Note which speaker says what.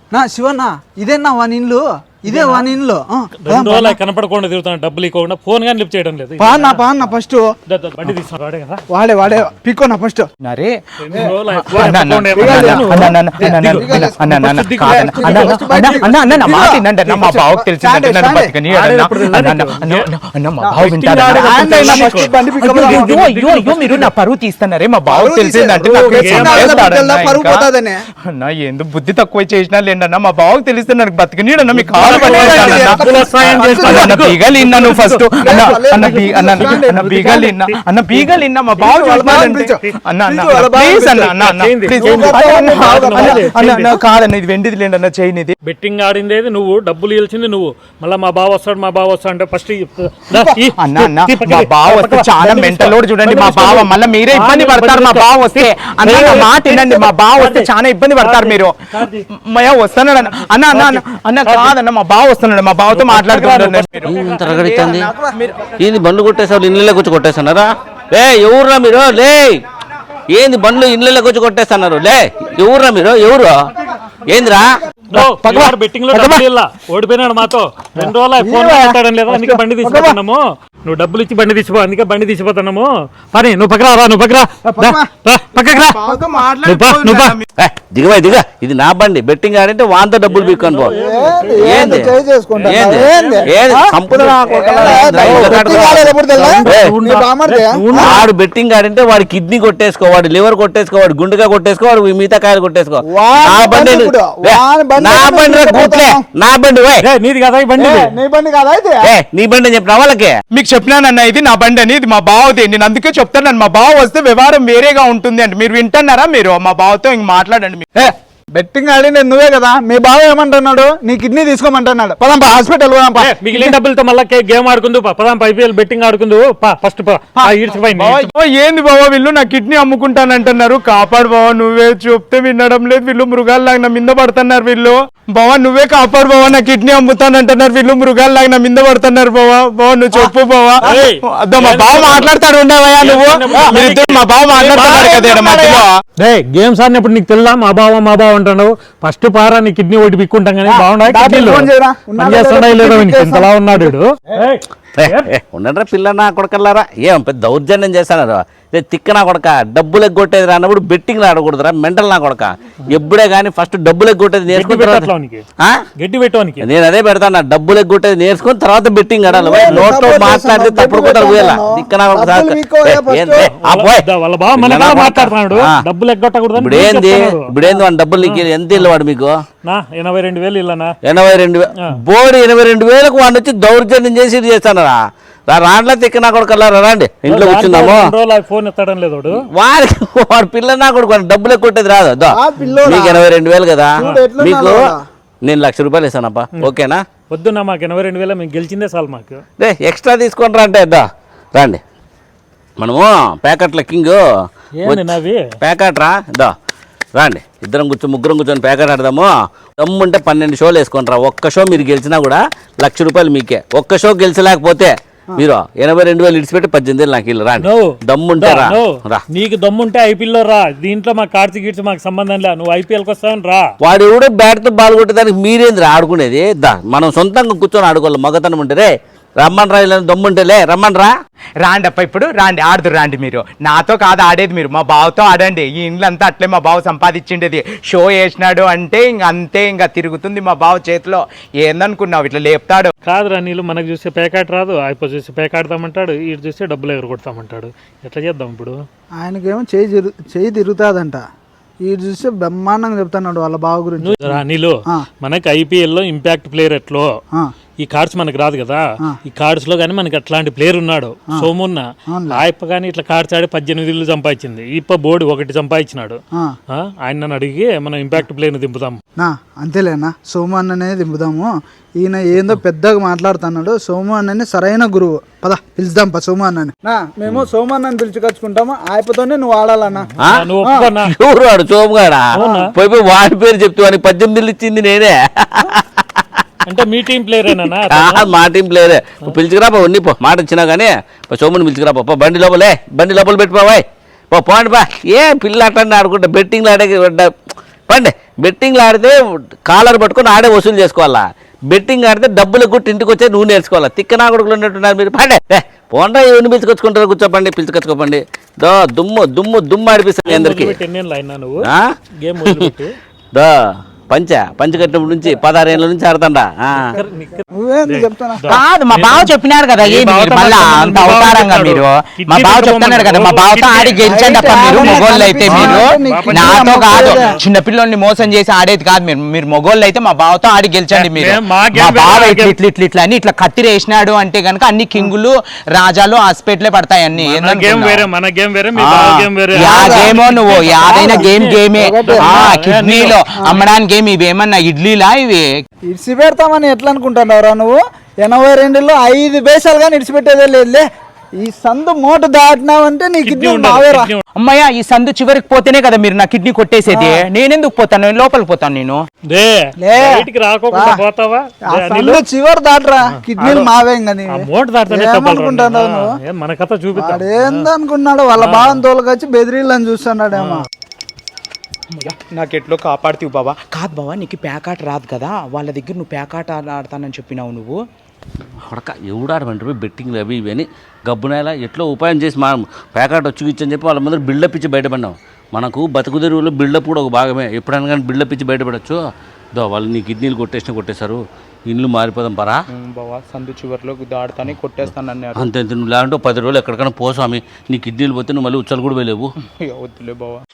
Speaker 1: నా శివన్న ఇదేనా వాని ఇల్లు ఇదే వాని ఇల్లు
Speaker 2: కనపడకుండా తిరుగుతాను డబ్బులు ఇవ్వకుండా ఫోన్ గానీ లిఫ్ట్ చేయడం లేదు
Speaker 1: పాన్న ఫస్ట్
Speaker 2: బండి తీసుకున్నాడు వాడే కదా
Speaker 1: వాడే పికోనా ఫస్ట్
Speaker 3: నరే మా బావకు తెలిసిందంటే మీరు నా పరువు తీస్తున్నారే మా బావకు తెలిసిందంటే ఎందుకు బుద్ధి తక్కువ చేసినా లేండి మా బావకు తెలిస్తే నాకు బతికినీడన్నా మీకు బీగలిన్నా ఫస్ట్ అన్న బీగలిన్నా మా బావ కాదన్న ఇది వెండిది లేండి అన్న చైన్
Speaker 2: బెట్టింగ్ ఆడిందేది నువ్వు డబ్బులు ఇల్చింది నువ్వు మళ్ళీ మా బావ వస్తాడు అంటే ఫస్ట్
Speaker 3: అన్న మా బావ వస్తే చాలా మెంటలోడు చూడండి మా బావ మళ్ళీ మీరే ఇబ్బంది పడతారు మా బావ వస్తే అన్న మాట వినండి మా బావ వస్తే చాలా ఇబ్బంది పడతారు మీరు మయా వస్తున్నాడు అన్న అన్న అన్న అన్న కాదన్న మా బావ వస్తున్నాడు మా బావతో మాట్లాడుతున్నాడు
Speaker 4: ఏంది బండ్లు కొట్టేసావు ఇళ్ళలోకి వచ్చి కొట్టేస్తున్నారా లే ఎవర్రా మీరు లే ఏంది బండ్లు ఇళ్ళలోకి వచ్చి కొట్టేస్తున్నారు లే ఎవర్రా మీరు ఎవరు ఏందిరా
Speaker 2: బెట్టింగ్ లో ఓడిపోయినాడు మాతో 2 రోజులు ఫోన్ మాట్లాడడం లేదా అందుకే బండి తీసుకుపోతున్నాము నువ్వు డబ్బులు ఇచ్చి బండి తీసిపో అందుకే బండి తీసిపోతున్నాము పని నువ్వు
Speaker 4: దిగవా దిగ ఇది నా బండి బెట్టింగ్ ఆడంటే వాంత డబ్బులు పీక్కొని పో వాడు బెట్టింగ్ ఆడంటే వాడి కిడ్నీ కొట్టేసుకో వాడు లివర్ కొట్టేసుకో వాడు గుండెగా కొట్టేసుకో వాడు మిగతా కాయలు కొట్టేసుకో నా బండి నా బండి
Speaker 2: నీది కదా ఈ బండి
Speaker 4: నీ బండి అని చెప్పిన వాళ్ళకే
Speaker 3: మీకు చెప్పినానన్న ఇది నా బండి అని ఇది మా బావది నేను అందుకే చెప్తాను మా బావ వస్తే వ్యవహారం వేరేగా ఉంటుంది అంటే మీరు వింటున్నారా మీరు మా బావతో ఇంక మాట్లాడండి
Speaker 1: బెట్టింగ్ ఆడింది నువ్వే కదా మీ బావ ఏమంటున్నాడు నీ కిడ్నీ తీసుకోమంటున్నాడు పదాం హాస్పిటల్
Speaker 2: మిగిలిన డబ్బులతో మళ్ళీ గేమ్ ఆడుకుందు పదాం ఐపీఎల్ బెట్టింగ్ ఆడుకుందు ఫస్ట్
Speaker 3: ఏంది బావ వీళ్ళు నా కిడ్నీ అమ్ముకుంటానంటున్నారు కాపాడు బావ నువ్వే చెప్తే వినడం లేదు వీళ్ళు మృగాల్లాగా నా మింద పడుతున్నారు వీళ్ళు బావ నువ్వే కాపాడు బావ నా కిడ్నీ అమ్ముతానంటున్నారు వీళ్ళు మృగాల్లాగా నా మింద పడుతున్నారు బావ నువ్వు చెప్పు బావా అదో మా బావ మాట్లాడతాడు ఉండవయ్యా నువ్వు మా బావ మాట్లాడతాడు కదా మధ్యలో
Speaker 2: గేమ్స్ ఆడినప్పుడు నీకు తెల్లా మా బావ అంటాడు ఫస్ట్ పారా నీ కిడ్నీ ఒకటి పిక్కుంటాం కానీ బాగుండా ఉన్నాడు
Speaker 4: ఉండరా పిల్ల నా కొడకల్లారా ఏం పెద్ద దౌర్జన్యం చేస్తానారా తిక్క నా కొడక డబ్బులు ఎగ్గొట్టేది రా అన్నప్పుడు బెట్టింగ్ ఆడకూడదురా మెంటల్ నా కొడక ఎప్పుడే కానీ ఫస్ట్ డబ్బులు ఎగ్గొట్టేది నేర్చుకుని నేను అదే పెడతాను డబ్బులు ఎగ్గొట్టేది నేర్చుకుని తర్వాత బెట్టింగ్ ఆడాలి నోట్లో మాట్లాడితే తప్పుడు కూడా పోయేలా తిక్క నా కొడక ఇప్పుడేంది వాడి డబ్బులు ఎంత ఇల్లు వాడు మీకు
Speaker 2: 82,000 ఇల్లనా
Speaker 4: 82,000 బోర్డు 82,000కు వాడిని వచ్చి దౌర్జన్యం చేసి చేస్తానరా రాండ్లా తిక్క నా కొడుకు రండి ఇంట్లో కూర్చుందాము
Speaker 2: ఫోన్ ఎత్తడం లేదు
Speaker 4: వాడు పిల్ల నా కొడుకు డబ్బులు కొట్టేది రాదు మీకు 82,000 కదా మీకు నేను 1,00,000 రూపాయలు ఇస్తానప్పా ఓకేనా
Speaker 2: వద్దున్నా మాకు 82,000 మేము గెలిచిందే చాలు మాకు
Speaker 4: ఎక్స్ట్రా తీసుకుంటారా అంటే రండి మనము ప్యాకెట్ల కింగ్ ప్యాకెట్ రండి ఇద్దరం ముగ్గురం కూర్చొని ప్యాకెట్ ఆడదాము దమ్ముంటే 12 షోలు వేసుకుంటారా ఒక్క షో మీరు గెలిచినా కూడా 1,00,000 రూపాయలు మీకే ఒక్క షో గెలిచలేకపోతే మీరు 82,000 ఇడిచిపెట్టి 18,000 నాకు ఇల్లు రాండి దమ్ముంటే రా
Speaker 2: నీకు దమ్ముంటే ఐపీఎల్ లో రా దీంట్లో మా కార్తీ గిడ్స్ మాకు సంబంధం లే నువ్వు ఐపీఎల్ వస్తావని రా
Speaker 4: వాడు ఎవడో బ్యాట్ తో బాల్ కొట్టేదానికి మీరేంది ఆడుకునేది మనం సొంతంగా కూర్చొని ఆడుకోవాలి మగతనం ఉంటే రమ్మన్ రా దమ్ముంటేలే రమ్మన్
Speaker 3: రాండి అప్ప ఇప్పుడు రాండి ఆడుతురు రాండి మీరు నాతో కాదు ఆడేది మీరు మా బావతో ఆడండి ఈ ఇండ్లంతా అట్లే మా బావ సంపాదించిండేది షో వేసినాడు అంటే అంతే ఇంకా తిరుగుతుంది మా బావ చేతిలో ఏందనుకున్నావు ఇట్లా లేపుతాడు
Speaker 2: కాదురా నీళ్ళు మనకు చూస్తే పేకాట రాదు అయిపో చూసి పేకాడతామంటాడు ఇటు చూస్తే డబ్బులు ఎగరగొడతామంటాడు ఎట్లా చేద్దాం ఇప్పుడు
Speaker 1: ఆయనకేమో చేయి తిరుగుతాదంట ఈ చూస్తే బ్రహ్మాండంగా చెప్తాడు వాళ్ళ బావ గురించి
Speaker 2: నీళ్ళు మనకి ఐపీఎల్ లో ఇంపాక్ట్ ప్లేయర్ ఎట్లో ఈ కార్డ్స్ మనకు రాదు కదా ఈ కార్డ్స్ లో గానీ మనకి అట్లాంటి ప్లేయర్ ఉన్నాడు సోమున్న ఆయప్ప గానీ ఇట్లా కార్డ్స్ ఆడి 18 ఇల్లు సంపాదించింది ఇప్ప బోర్డు 1 సంపాదించినాడు ఆయన నన్ను అడిగి మనం ఇంపాక్ట్ ప్లేయర్ ని దింపుతాం
Speaker 1: అంతేలేనా సోము అన్ననే దింపుదాము ఈయన ఏందో పెద్దగా మాట్లాడుతున్నాడు సోము అన్నని సరైన గురువు పద పిలుద్దాం సోము అన్నని మేము సోము అన్నని పిలుచుకొచ్చుకుంటాము ఆయపతోనే నువ్వు ఆడాలన్నా
Speaker 4: ఎవరు వాడు సోముగాడా పోయి వాడి పేరు చెప్తూ 18 ఇల్లు ఇచ్చింది నేనే
Speaker 2: అంటే మీ టీం ప్లేయరేనా
Speaker 4: మా టీం ప్లేయరే పిలుచుకురా ఉన్ని పో మాట ఇచ్చినా కానీ సోముని పిలుచుకురా బండి లోపల పెట్టుకోవాయ్ పోండి బా ఏ పిల్ల అట్లా ఆడుకుంటా బెట్టింగ్లు ఆడే పండి బెట్టింగ్లు ఆడితే కాలర్ పట్టుకొని ఆడే వసూలు చేసుకోవాలా, బెట్టింగ్ ఆడితే డబ్బులు గుట్టి ఇంటికి వచ్చే నువ్వు నేర్చుకోవాలా. తిక్కనా కొడుకులు ఉన్నట్టున్నారు మీరు. పండే పోండా ఎవరిని పిలుచుకొచ్చుకుంటారు, కూర్చోపండి పిలుచుకొచ్చుకోపండి. దో దుమ్ము దుమ్ము దుమ్ము ఆడిపిస్తుంది అందరికి.
Speaker 2: నువ్వు
Speaker 4: ఆ?
Speaker 2: గేమ్ వదిలిపెట్టి
Speaker 4: దో పంచ కట్టినప్పటి నుంచి 16 ఏళ్ళ నుంచి ఆడతాండా.
Speaker 1: నువ్వేంది చెప్తానా?
Speaker 5: కాదు మా బావ చెప్పినాడు కదా ఏంది మీరు మళ్ళా అంత అవతారంగా మీరు. మా బావ చెప్తున్నాడు కదా మా బావతో ఆడి గెలిచండి అప్ప మీరు మొగోళ్ళు అయితే. మీరు నాతో కాదు చిన్నపిల్లని మోసం చేసి ఆడేది కాదు మీరు. మీరు మొగోళ్ళు అయితే మా బావతో ఆడి గెలిచండి మీరు. మా బావ ఇట్లా అని ఇట్లా కత్తిరి వేసినాడు అంటే గనుక అన్ని కింగులు రాజాలు హాస్పిటలే పడతాయి అన్ని.
Speaker 2: గేమ్ వేరే, మన గేమ్ వేరే, మీ బావ గేమ్ వేరే.
Speaker 5: యా గేమో నువ్వు యాదైనా గేమే. కిడ్నీలో అమ్మడానికి ఇవేమన్నా ఇడ్లీలా ఇవి?
Speaker 1: ఇడిచి పెడతామని ఎట్లా అనుకుంటున్నావురా నువ్వు? 82లో 5 దేశాలు కానీ ఇడిచిపెట్టేదే లేదులే. ఈ సందు మోటు దాటినావంటే నీ కిడ్నీ మావేరా.
Speaker 5: అమ్మయ్య ఈ సందు చివరికి పోతేనే కదా మీరు నా కిడ్నీ కొట్టేసేది. నేనెందుకు పోతాను, నేను లోపలికి పోతాను. నేను
Speaker 2: బయటికి రాకోకుండా పోతావా?
Speaker 1: ఆ సందు చివరి దాటరా, కిడ్నీలు మావే. ఇంకా నీ
Speaker 2: మోటు దాటుతానే
Speaker 1: ఏమనుకుంటున్నావు నువ్వు?
Speaker 2: మన కథ చూపిస్తా.
Speaker 1: ఏందనుకున్నాడు వాళ్ళ భావం తోలుకొచ్చి బెదిరిల్లని చూస్తున్నాడేమో.
Speaker 5: నాకెట్లో కాపాడుతీవు బావా. కాదు బావా నీకు ప్యాకాట రాదు కదా, వాళ్ళ దగ్గర నువ్వు ప్యాకాట ఆడతానని చెప్పినావు నువ్వు.
Speaker 4: ఉడక ఎవడాడమంటారు బెట్టింగ్లు అవి ఇవి అని గబ్బునేలా ఎట్లా ఉపాయం చేసి మా ప్యాకెట్ వచ్చి చెప్పి వాళ్ళ ముందర బిల్డప్ ఇచ్చి బయటపడినాం. మనకు బతుకు తెరువులో బిల్డప్ కూడా ఒక భాగమే. ఎప్పుడైనా కానీ బిల్డప్ ఇచ్చి బయటపడచ్చు. దో వాళ్ళు నీ కిడ్నీలు కొట్టేశారు, ఇల్లు మారిపోదాం పరా.
Speaker 5: బావా సందు చివరిలో దాడుతానే కొట్టేస్తాను అన్నారు.
Speaker 4: అంతే నువ్వు లేదంటే 10 రోజులు ఎక్కడికైనా పోసామి, నీ కిడ్నీలు పోతే నువ్వు మళ్ళీ ఉచ్చలు కూడా వెళ్ళేవు.
Speaker 5: వద్దులే బావా.